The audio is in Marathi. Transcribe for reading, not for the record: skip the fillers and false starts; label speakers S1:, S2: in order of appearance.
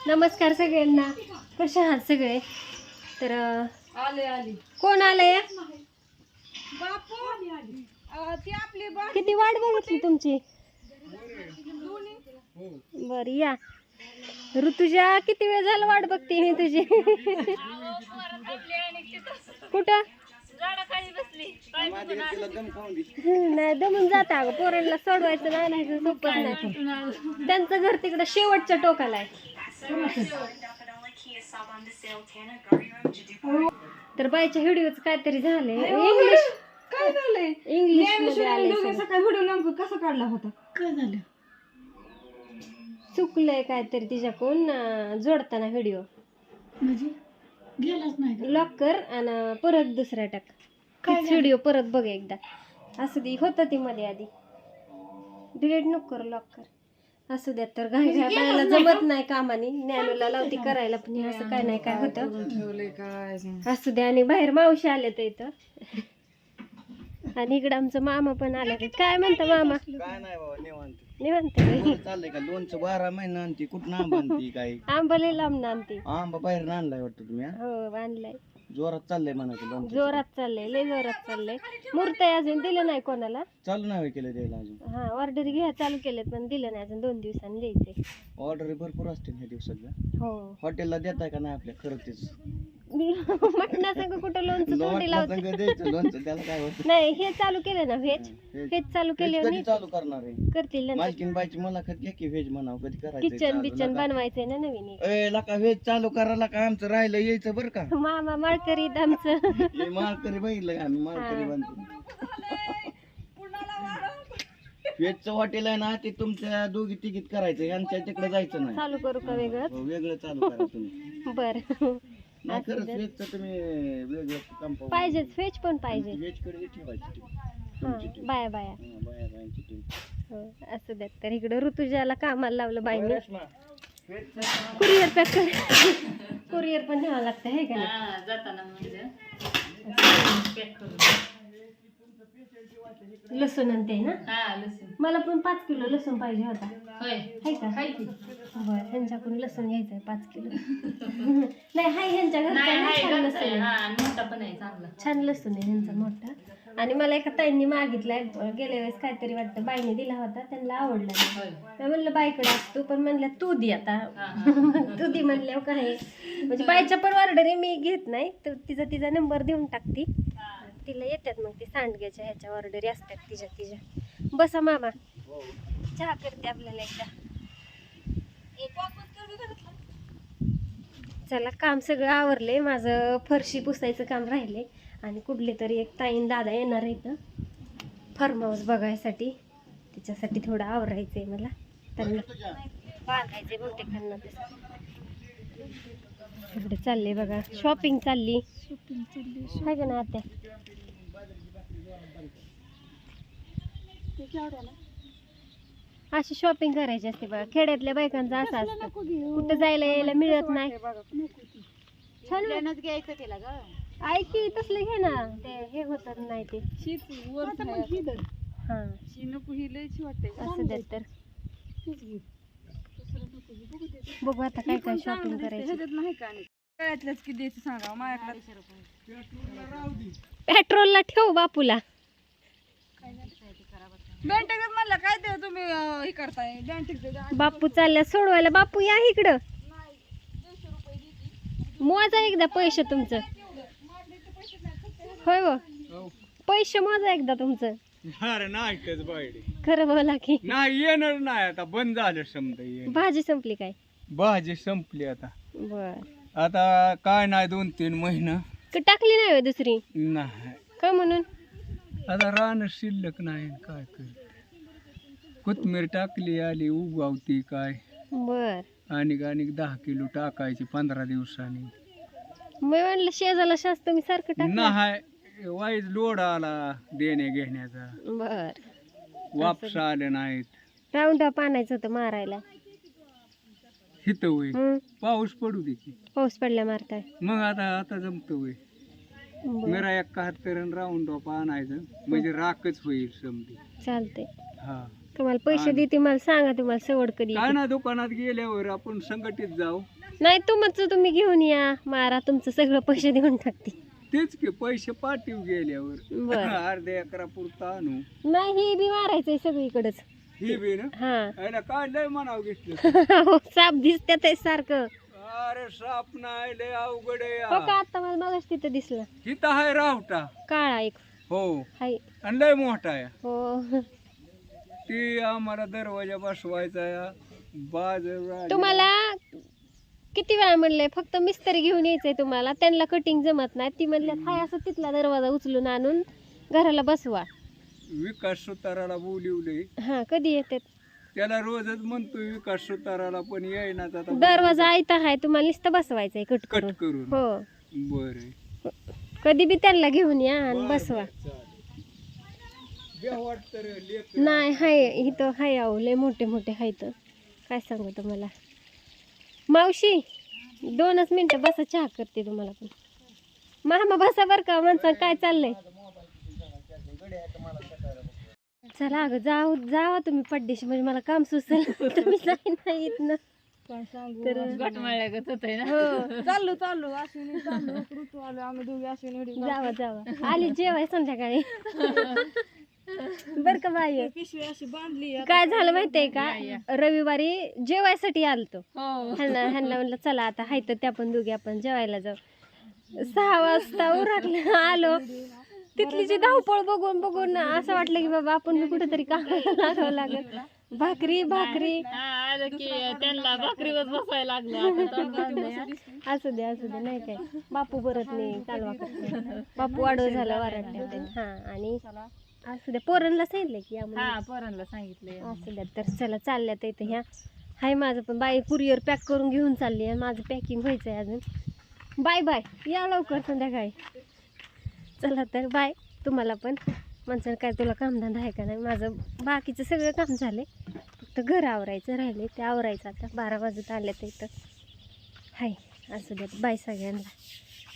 S1: नमस्कार सगळ्यांना, कसे आहात सगळे? तर
S2: आले
S1: कोण आलंय?
S2: बापू ती आपली
S1: किती वाट बघितली तुमची. बर या ऋतुजा, किती वेळ झाला वाट बघते मी तुझी. कुठं नाही दमून जाता अगं, पोरांना सोडवायचं नाही नाही सोपं नाही. त्यांचं घर तिकडं शेवटच्या टोकाला आहे. तर बाईच्या व्हिडिओच काहीतरी झाले इंग्लिश.
S2: काय झालंय?
S1: इंग्लिश मध्ये आलंय.
S2: सकाळी व्हिडिओ नेमकं कसा काढला होता? काय झालं?
S1: चुकलंय काहीतरी तिच्याकडून जोडताना व्हिडिओ.
S2: म्हणजे गेलाच नाही.
S1: लॉक कर आणि परत दुसरा टाक. व्हिडिओ परत बघ एकदा. असं ती होतं ती मध्ये आधी. डिलीट नको करू, लॉक कर. असू द्या. तर घाई घाई बाळाला जमत नाही कामाने, ज्ञानूला लावती करायला, पण हे असं काय नाही काय होतं. असू द्या. आणि बाहेर मावशी आले तर इथं, आणि इकडं आमचं मामा पण आले. काय म्हणता मामा?
S3: काय नाही बाबा, निवांत
S1: निवांत
S3: चाललंय का? लोणचं 12 महिना आणते, कुठं आंबा आणते काय?
S1: आंबा लय लांब आणते.
S3: आंबा बाहेर आणलाय वाटतं तुम्ही?
S1: हो आणलाय.
S3: जोरात चाललंय म्हणायचं लोणचं.
S1: जोरात चाललंय, लय जोरात चाललंय. मूर्ती अजून दिलं नाही कोणाला.
S3: चालू नाही केलं द्यायला अजून.
S1: हा ऑर्डर घ्या चालू केलेत, पण दिलं नाही अजून. 2 दिवसांनी द्यायचे.
S3: ऑर्डर भरपूर असतील ह्या दिवसातल्या.
S1: हो
S3: हॉटेलला देताय का नाही आपल्या? खरं तेच
S1: मटणा संग कुठं लोणचं तोंडी लावते.
S3: द्यायचं लोणचं, त्याला काय होतं?
S1: नाही हे चालू केलं ना व्हेज चालू केले.
S3: कधी चालू करणार आहे?
S1: करतील नंतर.
S3: मालकीन बाईची मुलाखत घ्या की व्हेज म्हणावं, कधी करायचं?
S1: किचन बिचन बनवायचंय ना नवीन एक.
S3: ए लका व्हेज चालू करायला का? आमचं राहिलं यायचं बरं का?
S1: मामा माळकरीत आमचं.
S3: हे माळकरी बघितलं का? आम्ही माळकरी बनतो. व्हेजचं हॉटेल आहे ना, ते तुमच्या दोघी तिकीट करायचं, यांच्या तिकडे जायचं नाही.
S1: चालू करू का वेगळं?
S3: हो, वेगळं चालू करा तुम्ही.
S1: बर
S3: नाही खरंच व्हेजचं तुम्ही वेगळं कंपाऊंड
S1: पाहिजेच. व्हेज पण पाहिजे.
S3: व्हेज कडे ठेवायची
S1: हा बाया बाया.
S3: बाया बायांची टीम.
S1: हो असू द्यात. तर इकडं ऋतुजाला कामाला लावलं बाईने. कुरिअर पॅक कर. कुरिअर पण न्यावं लागतं हे का नाही?
S2: जाताना
S1: लसूण आणते ना.
S2: लसूण
S1: मला पण 5 किलो लसूण पाहिजे होता.
S2: होय
S1: आहे का? बरं, ह्यांच्याकडून लसूण घ्यायचंय 5 किलो. नाही हाय ह्यांच्या घरचा ना, छान लसूण आहे.
S2: मोठा पण आहे चांगला.
S1: छान लसूण आहे ह्यांचा मोठा. आणि मला एका ताईंनी मागितलाय गेल्या वेळेस, काहीतरी वाटतं बाईने दिला होता, त्यांना आवडला नाही. मी म्हणलं बाईकडे असतो, पण म्हणलं तू दे आता. तू दे म्हणल्यावर काय म्हणजे बाईच्या पण ऑर्डर आहे, मी घेत नाही. तर तिचा नंबर देऊन टाकते, तिला येतात मग ती सांडग्याच्या ह्याच्या ऑर्डरी असतात तिच्या. बसा मामा, चहा करते आपल्याला एकदा. चला, काम सगळं आवरले माझं. फरशी पुसायचं काम राहिले, आणि कुठले तरी एक ताईन दादा येणार आहे फार्म हाऊस बघायसाठी. तिच्यासाठी थोडं आवरायचं आहे मला. त्यांना बांधायचे बहुतेक त्यांना. इकडे चालले बघा, शॉपिंग चालली आहे का ना आत्या? अशी शॉपिंग करायची असते बघा, खेड्यातल्या बायकांचं असं असतं. कुठं जायला यायला मिळत नाही. छान
S2: घ्यायचं तिला ग.
S1: ऐकी तसलं घे ना, ते हे होत नाही ते. हा असं द्या. तर बघू आता काय काय शॉपिंग करायची. पेट्रोलला ठेव बापूला.
S2: म्हणलं काय ते तुम्ही हे करताय?
S1: बापू चालल्या सोडवायला. बापू या इकडं, मोजा एकदा पैसे तुमचं. होय हो, पैसे मोजा एकदा तुमचं.
S3: अरे नाही बाईडे
S1: खरं बोला की.
S3: नाही येणार नाही, आता बंद झालं समजा.
S1: भाजी संपली काय?
S3: भाजी संपली आता.
S1: बर,
S3: आता काय नाही 2-3 महिना
S1: टाकली नाही होय दुसरी?
S3: नाही,
S1: का म्हणून?
S3: आता रान शिल्लक नाही, काय कर. कोथमीर टाकली, आली उगावती काय.
S1: बर,
S3: आणि 10 किलो टाकायची 15 दिवसांनी.
S1: मी म्हणलं शेजाला शास्त्र तुम्ही सारखं टाक.
S3: नाही, वाईज लोड आला देणे घेण्याचा.
S1: बर,
S3: वापस आले नाहीत.
S1: राऊंड अप आणायचं होतं मारायला.
S3: हित होय, पाऊस पडू दे की.
S1: पाऊस पडल्या मारताय
S3: मग आता जमत होय. मेरा 71 राऊंड ऑफ आणायचं म्हणजे राखच होईल समधी.
S1: चालते.
S3: हा
S1: तुम्हाला पैसे देते मला सांगा, तुम्हाला सवड कधी
S3: काय
S1: येते.
S3: ना दुकानात गेल्यावर आपण संघटित जाऊ.
S1: नाही तुमचं तुम्ही घेऊन या मारा, तुमचं सगळं पैसे देऊन टाकते.
S3: तेच की पैसे पाठीव गेल्यावर
S1: बर
S3: अर्ध्या एकरा पुरता आणू.
S1: नाही ही बी मारायचंय सगळीकडेच.
S3: ही बी ना
S1: हा
S3: याला काय लय म्हणावं घेतलं.
S1: हो, साप दिसत्यात आहे सारखं.
S3: अरे साप नाही लय अवघड आहे
S1: हो का
S3: या.
S1: आता मला मगाच तिथं दिसलं
S3: इथं आहे रावटा.
S1: काळा एक.
S3: हो
S1: हाय
S3: आणि लय मोठा आहे.
S1: हो.
S3: ती आम्हाला दरवाजा बसवायचा या बाजूला.
S1: तुम्हाला किती वेळा म्हणलंय फक्त मिस्त्री घेऊन यायचंय तुम्हाला, त्यांना कटिंग जमत नाही. ती म्हणल्यात हाय असं तिथला दरवाजा उचलून आणून घराला बसवा.
S3: विकास सुताराला बोलिवले.
S1: हा कधी येतात?
S3: त्याला रोजच म्हणतोय विकास सुताराला पण येईना. आता
S1: दरवाजा आयता हाय, तुम्हाला नुसतं बसवायचंय कट
S3: कट
S1: करून.
S3: करून.
S1: हो
S3: बर
S1: कधी बी त्यांना घेऊन या आणि बसवा. नाही हाय इथं हाय अहो लय मोठे मोठे हायत. काय सांगू तुम्हाला मावशी, 2च मिनिटं बसा, चहा करते तुम्हाला पण. मामा बसा बर का, माणसा काय चाललंय. चला अगं जाऊ जावा तुम्ही पड्डेशी, म्हणजे मला काम सुचल. तुम्ही जाई नाही इथनं.
S2: काय सांगू
S1: तर हो
S2: चाललो चाललो अश्विनी चाललो ऋतू आलो आम्ही दोघी अश्विनी एवढी
S1: जावा जावा, आली जेवाय संध्याकाळी. बर का बाई,
S2: पिशवी अशी बांधली
S1: काय झालं माहितीये का, रविवारी जेवायसाठी आलतो.
S2: हो
S1: ह्यांना म्हणलं चला आता हाय तर त्या पण दोघी आपण जेवायला जाऊ. 6 वाजता उरकलं आलो. तिथली जी धावपळ बघून बघून असं वाटलं की बाबा आपण मी कुठेतरी कामाला लागावं लागेल. भाकरी भाकरी
S2: त्यांना भाकरीवर बसायला
S1: असू दे नाही काय. बापू परत नाही कालवा करते. बापू आडव झाला वराडले. हा आणि असू द्या, पोरांना सांगितलं की आम्हाला
S2: पोरांना सांगितलंय.
S1: असू द्या. तर चला चालल्यात इथं ह्या हाय माझं पण बाई कुरिअर पॅक करून घेऊन चालली आहे. माझं पॅकिंग व्हायचं आहे अजून. बाय बाय, या लवकर संध्याकाळी. चला तर बाय. तुम्हाला पण माणसानं काय तुला कामधंदा आहे का नाही. माझं बाकीचं सगळं काम झालं, फक्त घर आवरायचं राहिले, ते आवरायचं आता. 12 वाजत आले तर इथं हाय. असू द्या, बाय सगळ्यांना.